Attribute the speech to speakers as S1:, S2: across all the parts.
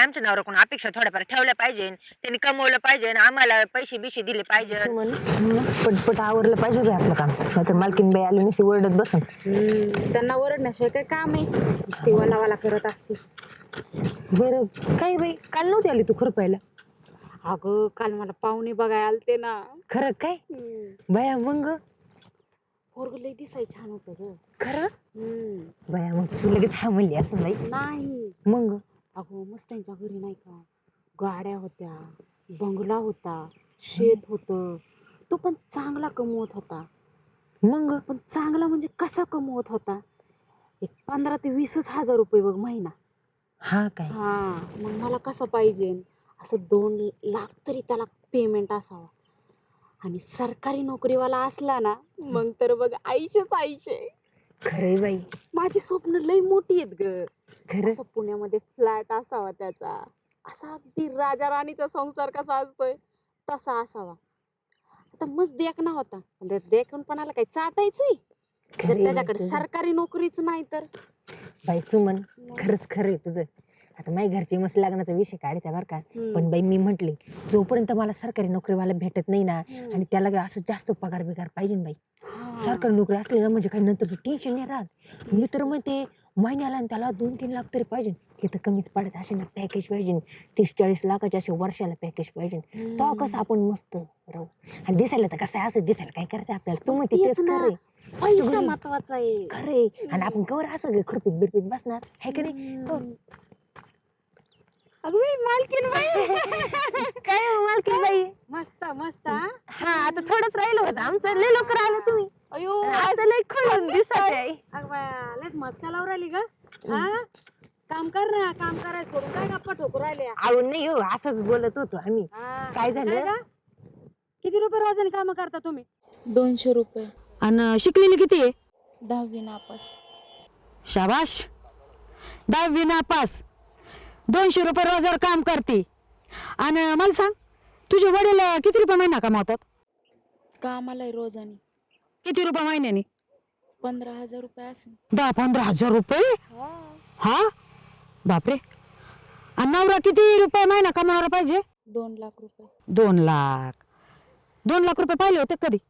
S1: आमच्या नवऱ्याकडून अपेक्षा थोड्याफार ठेवल्या पाहिजे, त्यांनी कमवलं पाहिजे, आम्हाला पैसे बिशे दिले पाहिजे.
S2: पटपट आवरलं पाहिजे बाई आपलं काम, नाहीतर मालकीन बाई आली नसती ओरडत बसन.
S3: त्यांना ओरडण्याशिवाय काय काम आहे, नुसती वाला करत असते.
S2: बरं काय बाई, काल नव्हती आली तू खुरपायला?
S3: अगं काल मला पाहुणे बघायला आलते ना.
S2: खरं काय बाया? मग
S3: पोरग लय दिसाय छान होतं ग.
S2: खरं बाया, मग तू लगेच हा म्हणली असं बाई?
S3: नाही
S2: मग
S3: अगं मस्त त्यांच्या घरी नाही का गाड्या होत्या, बंगला होता, शेत होतं. तो पण चांगला कमवत होता.
S2: मग
S3: पण चांगला म्हणजे कसा कमवत होता, एक 15,000 ते 20,000 रुपये बघ महिना.
S2: हा काय?
S3: हा मग मला कसं पाहिजे, असं 2 लाख तरी त्याला पेमेंट असावा. आणि सरकारी नोकरीवाला असला ना, मग तर बघ आईशेच आईशे.
S2: खरे बाई,
S3: माझी स्वप्न लई मोठी आहेत ग.
S2: खरं
S3: असं पुण्यामध्ये फ्लॅट असावा त्याचा, असा अगदी राजा राणीचा संसार कसा असतोय तसा असावा. आता मस्त देखणा होता, पण देखणपणाला काही चाटायचंय जर त्याच्याकडे सरकारी नोकरीच नाही तर.
S2: बाई सुमन, खरंच खरंय तुझं. आता माझ्या घरची मस्त लग्नाचा विषय काढायचा बरं का, पण बाई मी म्हटले जोपर्यंत मला सरकारी नोकरीवाला भेटत नाही ना, आणि त्याला असं जास्त पगार बिगार पाहिजे ना बाई. सरकारी नोकरी असली ना म्हणजे काही नंतरचं टेन्शन नाही राहत. मी तर म्हणते महिन्याला त्याला 2-3 लाख तरी पाहिजे. हे तर कमीच पडत असे ना, पॅकेज पाहिजे 30-40 लाखाचे असे वर्षाला पॅकेज पाहिजे. तो कसं आपण मस्त राहू. आणि दिसायला तर कसं आहे, असं दिसायला काय करायचं आपल्याला? तू म्हणते तेच खरे,
S3: पैसा महत्वाचा आहे.
S2: खरे. आणि आपण कवर असं खुरपीत बिरपीत बसणार आहे का नाही?
S3: अगं मालकीन बाई
S2: काय मालकीन बाई?
S3: मस्त मस्त.
S2: हा आता थोडंच राहिलं होतं आमचं, लय लवकर आलं तुम्ही.
S3: अयो
S2: आता लय खुलून दिसत आहे.
S3: अगं बाया लयच मस्का लावून राहिली ग. हा काम कर ना, काम करायचं सोडून काय गप्पा ठोकू राहिल्या?
S2: आवड नाही हो, असंच बोलत होतो आम्ही. काय झालं?
S3: किती रुपये रोजाने काम करता तुम्ही?
S4: 200 रुपये.
S2: आणि शिकलेली किती आहे?
S4: 10वी नापास.
S2: शाबाश, 10वी नापास, 200 रुपये रोजगार काम करते. आणि मला सांग, तुझे वडील किती रुपये महिना कमावतात?
S4: कामाला आहे रोजाने.
S2: किती रुपये महिन्याने?
S4: 15,000 रुपये असेल.
S2: 10-15 हजार रुपये? हा बापरे. आणि नवरा किती रुपये महिना कमावला पाहिजे?
S4: 2 लाख रुपये.
S2: 2 लाख. 2 लाख रुपये पाहिले होते कधी?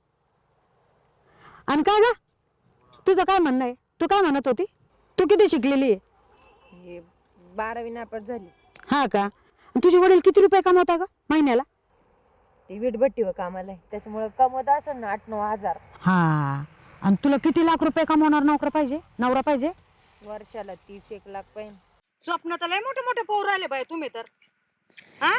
S2: आणि काय ग, तुझं काय म्हणणं आहे? तू काय म्हणत होती? तू किती शिकलेली आहे?
S1: 12वी नापास झाली.
S2: हा का? आणि तुझे वडील किती रुपये कमवता का महिन्याला?
S1: ते वीटभट्टीवर कामाला आहे, त्याच्यामुळे कमवत असेल ना 8-9 हजार.
S2: हा. आणि तुला किती लाख रुपये कमवणार नवरा पाहिजे?
S1: वर्षाला 30-1 लाख पाहिजे.
S3: स्वप्न तर लय मोठे मोठे पोर राहिले बाई तुम्ही तर. हा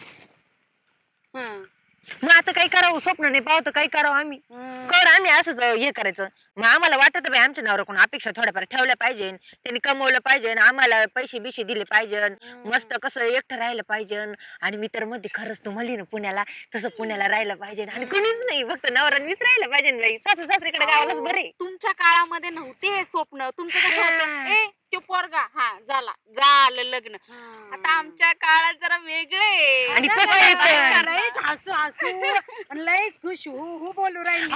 S1: मग आता काही करावं, स्वप्न नाही पाहतो काही करावं आम्ही. कर आम्ही असंच हे करायचं. मग आम्हाला वाटत बाई आमच्या नवऱ्याकडून अपेक्षा थोड्याफार ठेवल्या पाहिजे, त्यांनी कमवलं पाहिजे, आम्हाला पैसे बिशे दिले पाहिजे, मस्त कसं एकटं राहिलं पाहिजे. आणि मी तर मध्ये खरंच तू म्हणली ना पुण्याला, तसं पुण्याला राहिलं पाहिजे. आणि कुणीच नाही, फक्त नवरा मीच राहिलं पाहिजे बाई. सासू सासरीकडे गावालाच बरे.
S3: तुमच्या काळामध्ये नव्हते हे स्वप्न. तुमचं कसं होतं, ए तो पोरगा हा झालं लग्न. आता आमच्या काळात जरा वेगळे.
S1: आणि कसं आहे पण?
S3: लयच हसू लयच खुश हू बोलू राहिली.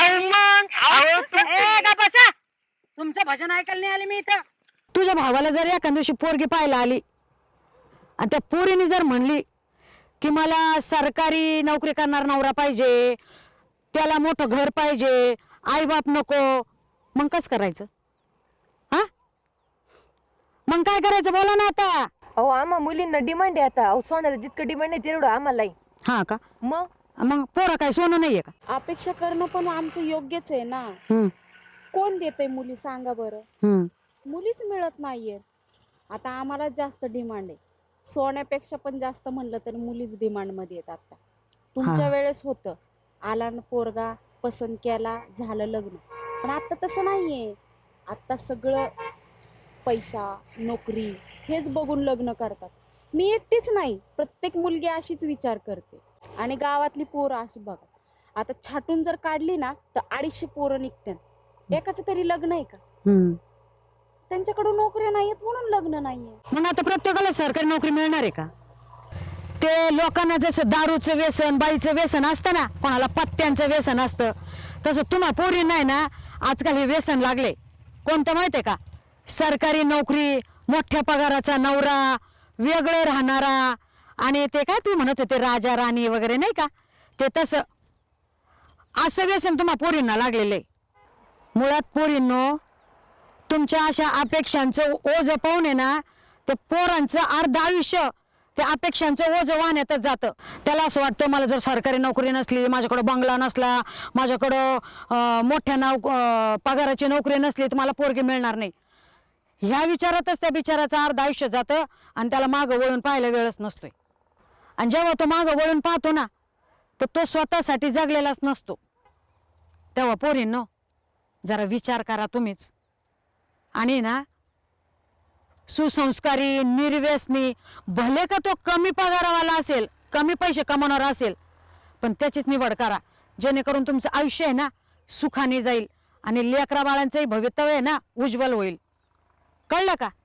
S3: बसा, तुमचं भजन ऐकायला नाही आले मी इथं.
S2: तुझ्या भावाला जर एखाद्या दिवशी पोरगी पाहायला आली आणि त्या पोरीने जर म्हणली की मला सरकारी नोकरी करणार नवरा पाहिजे, त्याला मोठं घर पाहिजे, आई बाप नको, मग कसं करायचं? हा मग काय करायचं बोला ना आता.
S1: अहो आम्हा मुलींना डिमांड आहे आता. अहो सोन्याला जितकं डिमांड आहे तेवढं आम्हालाही.
S2: हा का?
S1: मग
S2: पोरं काय सोनं नाहीये का?
S4: अपेक्षा करणं पण आमचं योग्यच आहे ना. कोण देतंय मुली सांगा बरं? मुलीच मिळत नाहीये. आता आम्हाला जास्त डिमांड आहे. सोन्यापेक्षा पण जास्त म्हणलं तर मुलीच डिमांड मध्ये येतात. आता तुमच्या वेळेस होतं, आला ना पोरगा, पसंत केला, झालं लग्न. पण आता तसं नाहीये. आता सगळं पैसा, नोकरी हेच बघून लग्न करतात. मी एकटीच नाही, प्रत्येक मुलगी अशीच विचार करते. आणि गावातली पोरं अशी बघा, आता छाटून जर काढली ना तर 250 पोरं निघतात. एकाच तरी लग्न आहे का? त्यांच्याकडून नोकऱ्या नाहीयेत म्हणून लग्न नाहीये.
S2: मग आता प्रत्येकाला सरकारी नोकरी मिळणार आहे का? ते लोकांना जसं दारूचं व्यसन, बाईचं व्यसन असतं ना, कोणाला पत्त्यांचं व्यसन असतं, तसं तुम्हा पोरी नाही ना आजकाल हे व्यसन लागले. कोणतं माहितीये का? सरकारी नोकरी, मोठ्या पगाराचा नवरा,
S5: वेगळं राहणारा, आणि ते काय तू म्हणत होते राजा राणी वगैरे नाही का, ते तसं असं व्यसन तुम्हा पोरींना लागलेलं आहे. मुळात पोरींनो, तुमच्या अशा अपेक्षांचं ओझ पाहून आहे ना, ते पोरांचं अर्ध आयुष्य त्या अपेक्षांचं ओझ वाहण्यातच जातं. त्याला असं वाटतं मला जर सरकारी नोकरी नसली, माझ्याकडं बंगला नसला, माझ्याकडं मोठ्या पगाराची नोकरी नसली तर मला पोरगी मिळणार नाही. ह्या विचारातच त्या बिचाराचं अर्ध आयुष्य जातं आणि त्याला मागं वळून पाहायला वेळच नसतोय. आणि जेव्हा तो मागं वळून पाहतो ना, तर तो स्वतःसाठी जगलेलाच नसतो. तेव्हा पोरींनो, जरा विचार करा तुम्हीच. आणि ना, सुसंस्कारी, निर्व्यसनी, भले का तो कमी पगारावाला असेल, कमी पैसे कमवणारा असेल, पण त्याचीच निवड करा, जेणेकरून तुमचं आयुष्य आहे ना सुखाने जाईल आणि लेकरा बाळांचंही भवितव्य आहे ना उज्ज्वल होईल. कळलं का?